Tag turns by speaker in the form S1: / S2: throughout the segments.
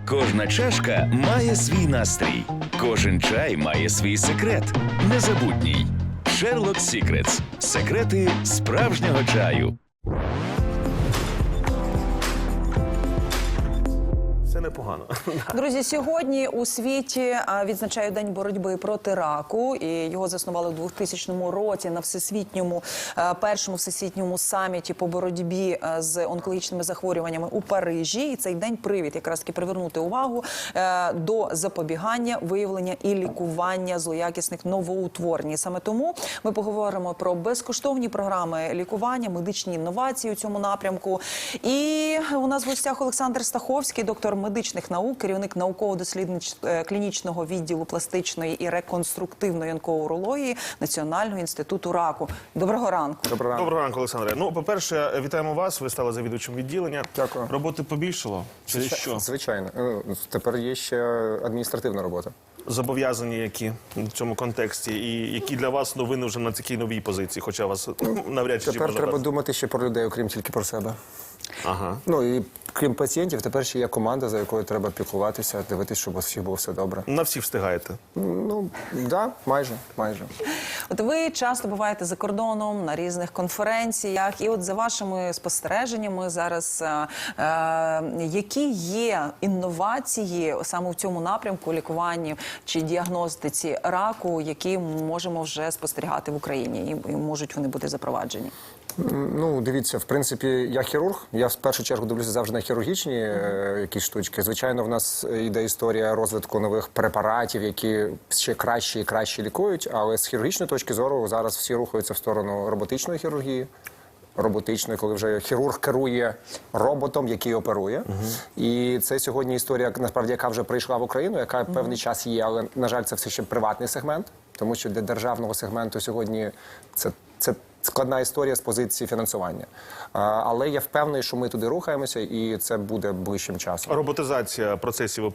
S1: Кожна чашка має свій настрій. Кожен чай має свій секрет. Незабутній. Sherlock Secrets. Секрети справжнього чаю.
S2: Це непогано.
S3: Друзі, сьогодні у світі відзначають День боротьби проти раку. І його заснували в 2000 році на першому всесвітньому саміті по боротьбі з онкологічними захворюваннями у Парижі. І цей день привід якраз таки привернути увагу до запобігання, виявлення і лікування злоякісних новоутворень. І саме тому ми поговоримо про безкоштовні програми лікування, медичні інновації у цьому напрямку. І у нас в гостях Олександр Стаховський, доктор медичних наук, керівник науково-дослідно-клінічного відділу пластичної і реконструктивної онкоурології Національного інституту раку. Доброго ранку.
S2: Доброго ранку, Олександре. Ну, по-перше, вітаємо вас. Ви стали завідувачем відділення.
S4: Дякую.
S2: Роботи побільшало? Чи що?
S4: Звичайно. Тепер є ще адміністративна робота.
S2: Зобов'язані які в цьому контексті? І які для вас новини вже на такій новій позиції? Хоча вас навряд чи
S4: Тепер треба думати ще про людей, окрім тільки про себе.
S2: Ага.
S4: Ну і крім пацієнтів, тепер ще є команда, за якою треба піклуватися, дивитися, щоб у всіх було все добре.
S2: На всі встигаєте?
S4: Ну, да, майже.
S3: От ви часто буваєте за кордоном, на різних конференціях. І от за вашими спостереженнями зараз, які є інновації саме в цьому напрямку лікуванні чи діагностиці раку, які можемо вже спостерігати в Україні і можуть вони бути запроваджені?
S4: Ну, дивіться, в принципі, я хірург. Я в першу чергу дивлюся завжди на хірургічні якісь штучки. Звичайно, в нас йде історія розвитку нових препаратів, які ще краще і краще лікують. Але з хірургічної точки зору зараз всі рухаються в сторону роботичної хірургії. Роботичної, коли вже хірург керує роботом, який оперує. І це сьогодні історія, насправді, яка вже прийшла в Україну, яка певний час є, але, на жаль, це все ще приватний сегмент, тому що для державного сегменту сьогодні це складна історія з позиції фінансування. Але я впевнений, що ми туди рухаємося, і це буде ближчим часом.
S2: Роботизація процесів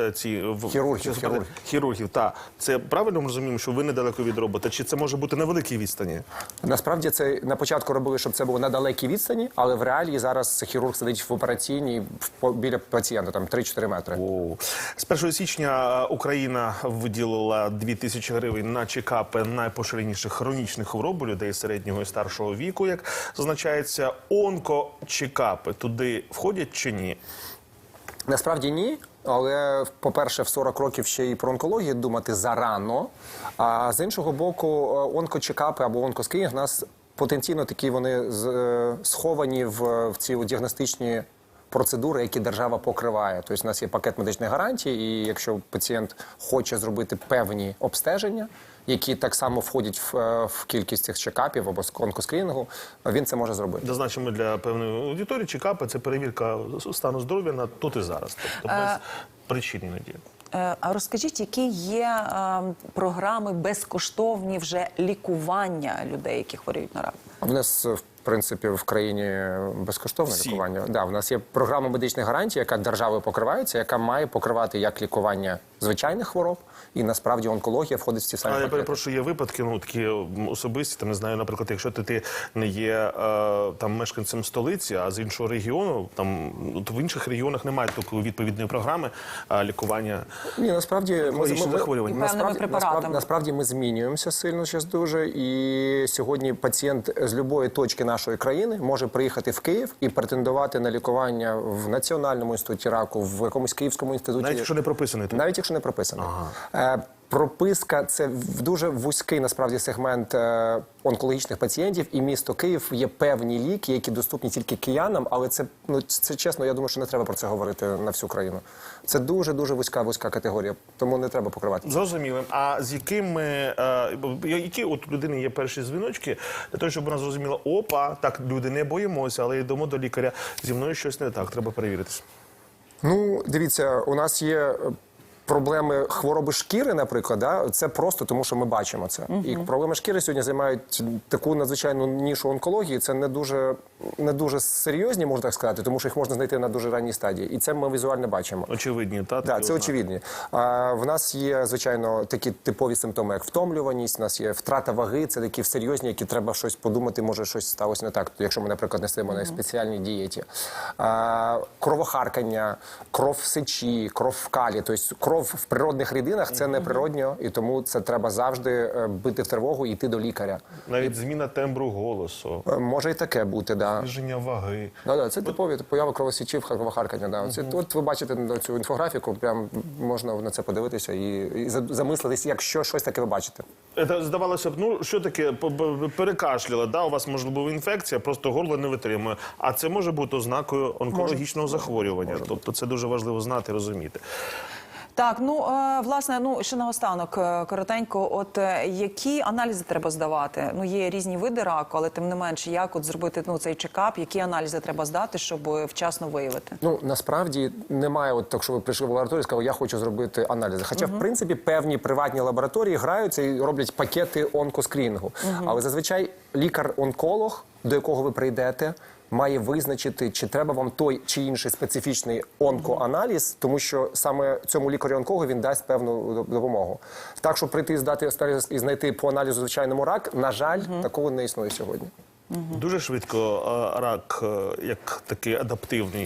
S2: хірургів, так. Це правильно ми розуміємо, що ви недалеко від робота? Чи це може бути на великій відстані?
S4: Насправді це на початку робили, щоб це було на далекій відстані, але в реалії зараз хірург сидить в операційній біля пацієнта, там 3-4 метри.
S2: З 1 січня Україна виділила 2000 гривень на чекапи найпоширеніших хронічних хвороб у людей середнього і старшого віку, як зазначається. Онкочекапи туди входять чи ні?
S4: Насправді ні, але, по-перше, в 40 років ще і про онкологію думати зарано. А з іншого боку, онкочекапи або онкоскринінг у нас потенційно такі вони сховані в ці діагностичні процедури, які держава покриває. Тобто у нас є пакет медичних гарантій, і якщо пацієнт хоче зробити певні обстеження, які так само входять в кількість цих чекапів або онкоскрінінгу, він це може зробити.
S2: Зазначимо для певної аудиторії, чекапи – це перевірка стану здоров'я на тут і зараз. Тобто без причин іноді.
S3: А розкажіть, які є програми безкоштовні вже лікування людей, які хворіють на рак?
S4: В нас, в принципі, в країні безкоштовне лікування. Да, в нас є програма медичних гарантій, яка державою покривається, яка має покривати як лікування звичайних хвороб, і насправді онкологія входить в ці самі пакети.
S2: Я перепрошую, є випадки, ну, такі особисті, там, не знаю, наприклад, якщо ти не є там мешканцем столиці, а з іншого регіону, там, в інших регіонах немає такої відповідної програми лікування.
S4: Ні, насправді
S2: захворювань.
S4: Ми змінюємося сильно зараз дуже, і сьогодні пацієнт з будь-якої точки нашої країни може приїхати в Київ і претендувати на лікування в Національному інституті раку, в якомусь Київському інституті.
S2: Навіть якщо не прописаний?
S4: Навіть якщо не прописаний. Прописка – це дуже вузький, насправді, сегмент онкологічних пацієнтів, і місто Київ є певні ліки, які доступні тільки киянам, але це чесно, я думаю, що не треба про це говорити на всю країну. Це дуже-дуже вузька категорія, тому не треба покривати.
S2: Зрозуміло. А з які от у людини є перші дзвіночки, для того, щоб вона зрозуміла, опа, так, люди, не боїмося, але йдемо до лікаря, зі мною щось не так, треба перевіритися?
S4: Ну, дивіться, у нас є проблеми хвороби шкіри, наприклад, да, це просто тому, що ми бачимо це. І проблеми шкіри сьогодні займають таку надзвичайну нішу онкології. Це не дуже серйозні, можна так сказати, тому що їх можна знайти на дуже ранній стадії. І це ми візуально бачимо.
S2: Очевидні, так?
S4: Так, це очевидні. В нас є, звичайно, такі типові симптоми, як втомлюваність, у нас є втрата ваги, це такі серйозні, які треба щось подумати, може щось сталося не так, якщо ми, наприклад, не стоїмо на спеціальній дієті. Кровохаркання, кров в сечі, кров в калі, тобто кров в природних рідинах – це неприродньо, і тому це треба завжди бити в тривогу і йти до лікаря.
S2: Навіть зміна тембру голосу,
S4: Може і таке бути, да.
S2: зниження ваги.
S4: Це типові появи кровосічів, кровохаркання. Да. От ви бачите цю інфографіку, прям можна на це подивитися і замислитись, якщо щось таке ви бачите.
S2: Це, здавалося б, ну, що таке, перекашляли, да, у вас, можливо, інфекція, просто горло не витримує. А це може бути ознакою онкологічного захворювання. Тобто це дуже важливо знати, розуміти.
S3: Так, власне, ще наостанок, коротенько, от які аналізи треба здавати? Є різні види раку, але тим не менше, як от зробити цей чекап, які аналізи треба здати, щоб вчасно виявити?
S4: Насправді немає, от так, що ви прийшли в лабораторію і сказали, я хочу зробити аналізи. Хоча, в принципі, певні приватні лабораторії граються і роблять пакети онкоскрінінгу. Але зазвичай лікар-онколог, до якого ви прийдете, має визначити, чи треба вам той чи інший специфічний онкоаналіз, тому що саме цьому лікарю-онкологу він дасть певну допомогу. Так, щоб прийти і здати і знайти по аналізу звичайному рак, на жаль, такого не існує сьогодні.
S2: Дуже швидко рак, як такий адаптивний,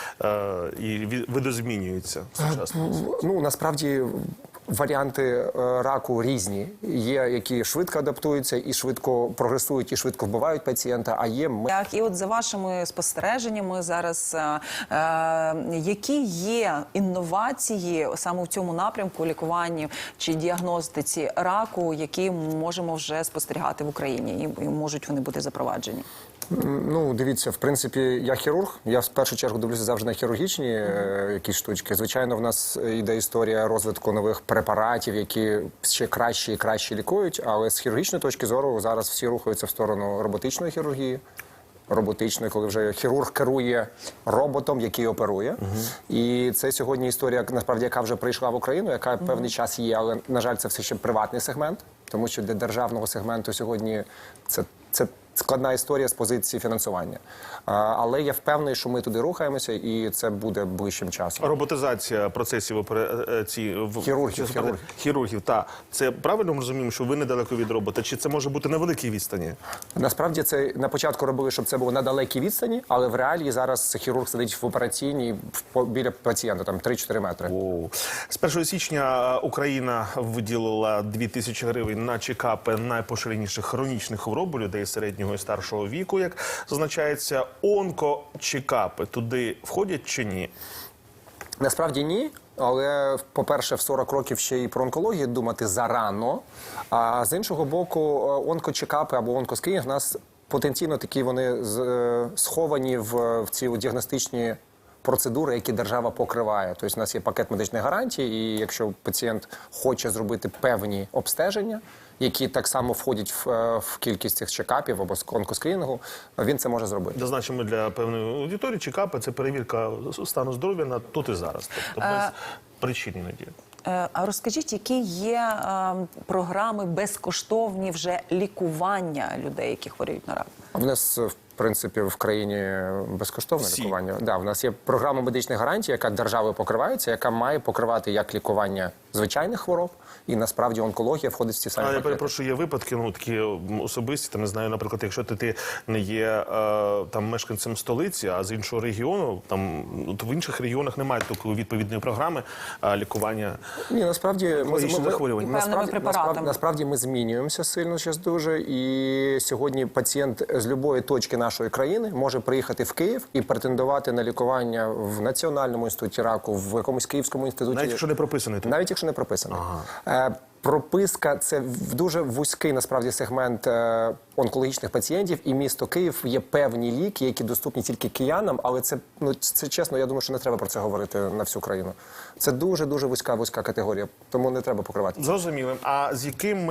S2: і видозмінюється сучасно.
S4: Насправді варіанти раку різні. Є, які швидко адаптуються і швидко прогресують, і швидко вбивають пацієнта, а є...
S3: Так, і от за вашими спостереженнями зараз, які є інновації саме в цьому напрямку лікуванні чи діагностиці раку, які можемо вже спостерігати в Україні, і можуть вони бути запроваджені?
S4: Дивіться, в принципі, я хірург, я в першу чергу дивлюся завжди на хірургічні якісь штучки. Звичайно, в нас йде історія розвитку нових препаратів, які ще краще і краще лікують, але з хірургічної точки зору зараз всі рухаються в сторону роботичної хірургії. Роботичної, коли вже хірург керує роботом, який оперує. І це сьогодні історія, насправді, яка вже прийшла в Україну, яка певний час є, але, на жаль, це все ще приватний сегмент, тому що для державного сегменту сьогодні це складна історія з позиції фінансування. Але я впевнений, що ми туди рухаємося, і це буде ближчим часом.
S2: Роботизація процесів хірургів, так. Це правильно ми розуміємо, що ви недалеко від робота? Чи це може бути на великій відстані?
S4: Насправді це на початку робили, щоб це було на далекій відстані, але в реалії зараз хірург сидить в операційній біля пацієнта, там 3-4 метри.
S2: З 1 січня Україна виділила 2000 гривень на чекапи найпоширеніших хронічних хвороб у людей середнього і старшого віку, як зазначається. Онкочекапи туди входять чи ні?
S4: Насправді ні. Але, по-перше, в 40 років ще і про онкологію думати зарано. А з іншого боку, онкочекапи або онкоскрінінг в нас потенційно такі вони сховані в ці діагностичні процедури, які держава покриває. Тобто у нас є пакет медичних гарантій, і якщо пацієнт хоче зробити певні обстеження, які так само входять в кількість цих чекапів або онкоскрінінгу, він це може зробити.
S2: Зазначимо для певної аудиторії, чекапи – це перевірка стану здоров'я на тут і зараз. Тобто без причин іноді.
S3: А розкажіть, які є програми безкоштовні вже лікування людей, які хворіють на рак?
S4: В нас, в принципі, в країні безкоштовне лікування. Да, в нас є програма медичних гарантій, яка державою покривається, яка має покривати як лікування звичайних хвороб, і насправді онкологія входить в ці самі пакети.
S2: Я перепрошую, є випадки, такі особисті, там, не знаю, наприклад, якщо ти не є там мешканцем столиці, а з іншого регіону, там в інших регіонах немає такої відповідної програми лікування.
S4: Ні, насправді
S3: насправді
S4: ми змінюємося сильно зараз дуже, і сьогодні пацієнт з будь-якої точки нашої країни може приїхати в Київ і претендувати на лікування в Національному інституті раку, в якомусь Київському інституті.
S2: Навіть якщо не прописаний тут?
S4: Навіть якщо не прописаний. Прописка – це дуже вузький, насправді, сегмент онкологічних пацієнтів, і місто Київ є певні ліки, які доступні тільки киянам, але це чесно, я думаю, що не треба про це говорити на всю країну. Це дуже-дуже вузька категорія, тому не треба покривати.
S2: Зрозуміло. А з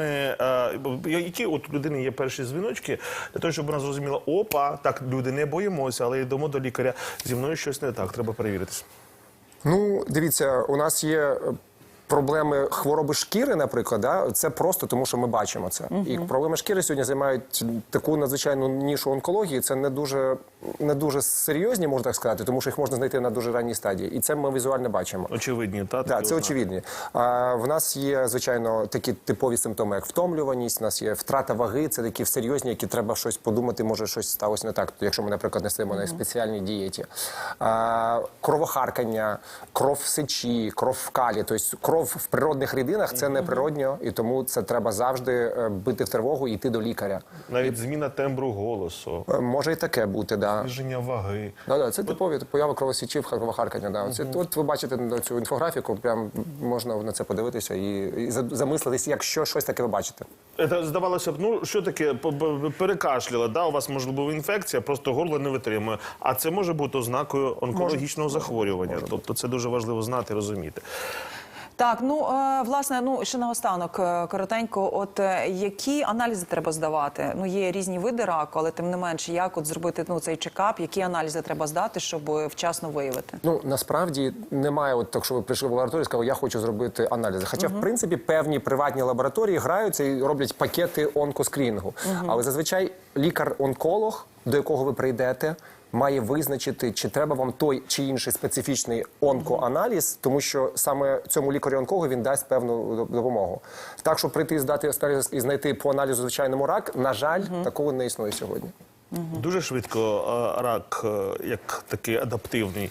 S2: які от у людини є перші дзвіночки, для того, щоб вона зрозуміла, опа, так, люди, не боїмося, але йдемо до лікаря, зі мною щось не так, треба перевіритися.
S4: Дивіться, у нас є проблеми хвороби шкіри, наприклад, да, це просто тому, що ми бачимо це. І проблеми шкіри сьогодні займають таку надзвичайну нішу онкології. Це не дуже серйозні, можна так сказати, тому що їх можна знайти на дуже ранній стадії. І це ми візуально бачимо.
S2: Очевидні, так?
S4: Так, це очевидні. В нас є, звичайно, такі типові симптоми, як втомлюваність, у нас є втрата ваги, це такі серйозні, які треба щось подумати, може щось сталося не так, якщо ми, наприклад, не стоїмо на спеціальній дієті. Кровохаркання, кров в сечі, кров в калі. Тобто кров в природних рідинах – це неприродньо, і тому це треба завжди бити в тривогу і йти до лікаря.
S2: Навіть зміна тембру голосу,
S4: Може і таке бути, да.
S2: зниження ваги.
S4: Да, це типові появи кровосічів, кровохаркання. Да. От ви бачите цю інфографіку, прям можна на це подивитися і замислитися, якщо щось таке ви бачите.
S2: Це, здавалося б, ну, що таке, перекашляла, да? У вас, можливо, інфекція, просто горло не витримує. А це може бути ознакою онкологічного захворювання. Тобто це дуже важливо знати і розуміти.
S3: Так, ну, власне, ще наостанок, коротенько, от які аналізи треба здавати? Ну, є різні види раку, але тим не менше, як от зробити цей чекап, які аналізи треба здати, щоб вчасно виявити?
S4: Ну, насправді немає, от так, що ви прийшли в лабораторію і сказали, я хочу зробити аналізи. Хоча, в принципі, певні приватні лабораторії граються і роблять пакети онкоскрінінгу. Але зазвичай лікар-онколог, до якого ви прийдете, має визначити, чи треба вам той чи інший специфічний онкоаналіз, тому що саме цьому лікарю-онкологу він дасть певну допомогу. Так, щоб прийти і здати і знайти по аналізу звичайному рак, на жаль, такого не існує сьогодні.
S2: Дуже швидко рак, як такий адаптивний,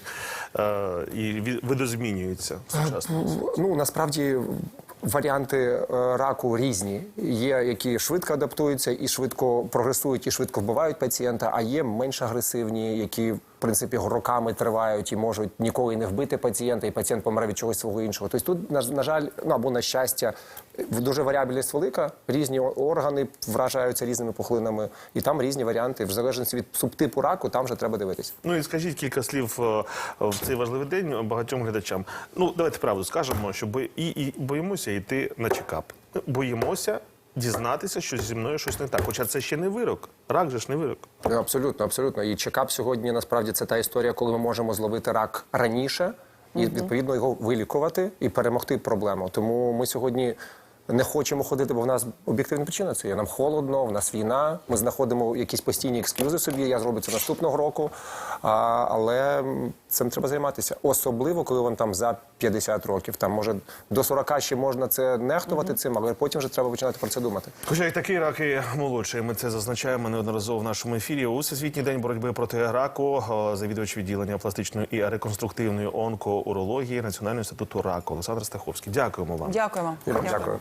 S2: і видозмінюється в сучасному.
S4: Ну, насправді, варіанти раку різні. Є, які швидко адаптуються і швидко прогресують, і швидко вбивають пацієнта, а є менш агресивні, які, в принципі, роками тривають і можуть ніколи не вбити пацієнта, і пацієнт помре від чогось свого іншого. Тобто тут, на жаль, або на щастя, дуже варіабельність велика, різні органи вражаються різними пухлинами, і там різні варіанти. В залежності від субтипу раку, там вже треба дивитися.
S2: Ну і скажіть кілька слів в цей важливий день багатьом глядачам. Ну, давайте правду скажемо, що боїмося йти на чекап. Боїмося дізнатися, що зі мною щось не так. Хоча це ще не вирок. Рак же ж не вирок.
S4: Абсолютно, абсолютно. І чекап сьогодні, насправді, це та історія, коли ми можемо зловити рак раніше і, відповідно, його вилікувати і перемогти проблему. Тому ми сьогодні не хочемо ходити, бо в нас об'єктивна причина це є. Нам холодно, в нас війна, ми знаходимо якісь постійні ексклюзи собі, я зроблю це наступного року, але цим треба займатися. Особливо, коли вам там за 50 років, там, може, до 40 ще можна це нехтувати цим, але потім вже треба починати про це думати.
S2: Хоча і такий рак і молодший, ми це зазначаємо неодноразово в нашому ефірі. У Всесвітній день боротьби проти раку завідувач відділення пластичної і реконструктивної онкоурології Національного інституту раку Олександр Стаховський. Дякуємо вам.
S3: Дякуємо.
S4: Дякую.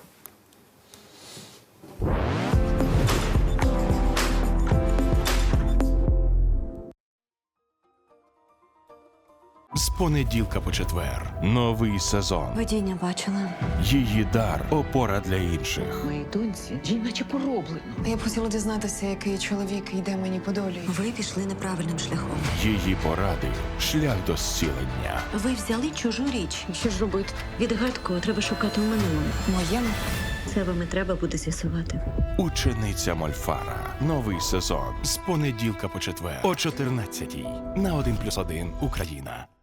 S5: З понеділка по четвер. Новий сезон.
S6: Видіння бачила.
S5: Її дар – опора для інших.
S7: Моїй доньці їй наче пороблено.
S8: Я б хотіла дізнатися, який чоловік йде мені по долі.
S6: Ви пішли неправильним шляхом.
S5: Її поради – шлях до зцілення.
S6: Ви взяли чужу річ.
S7: Що ж робити?
S6: Відгадку треба шукати у минулому.
S8: Моєму?
S6: Це вам і треба буде з'ясувати.
S5: Учениця Мольфара. Новий сезон. З понеділка по четвер. О 14-й. На 1+1 Україна.